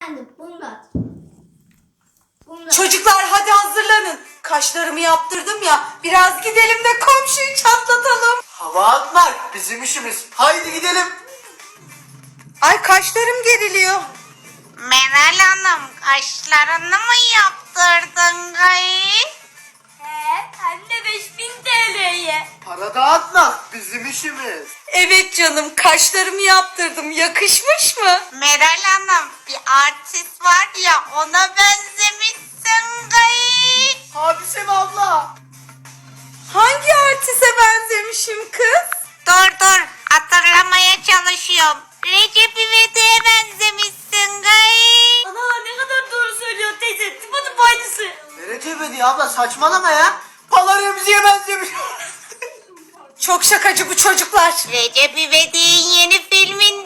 Bunlar. Çocuklar hadi hazırlanın. Kaşlarımı yaptırdım ya. Biraz gidelim de komşuyu çatlatalım. Hava atmak bizim işimiz. Haydi gidelim. Ay kaşlarım geriliyor. Meral Hanım kaşlarını mı yaptırdın gayet? Hem de 5000 TL'ye. Para dağıtmak bizim işimiz. Evet canım kaşlarımı yaptırdım. Yakışmış mı? Meral Hanım bir artist var ya ona benzemişsin gayet. Hadise mi abla? Hangi artiste benzemişim kız? Dur hatırlamaya çalışıyorum. Recep İvedik'e benzemişsin gayet. Ana ne kadar doğru söylüyor teyze. Tıpatıp aynısı. Recep İvedik abla saçmalama ya. Pala Remzi'ye benzemiş. Çok şakacı bu çocuklar. Recep İvedik'in yeni filminde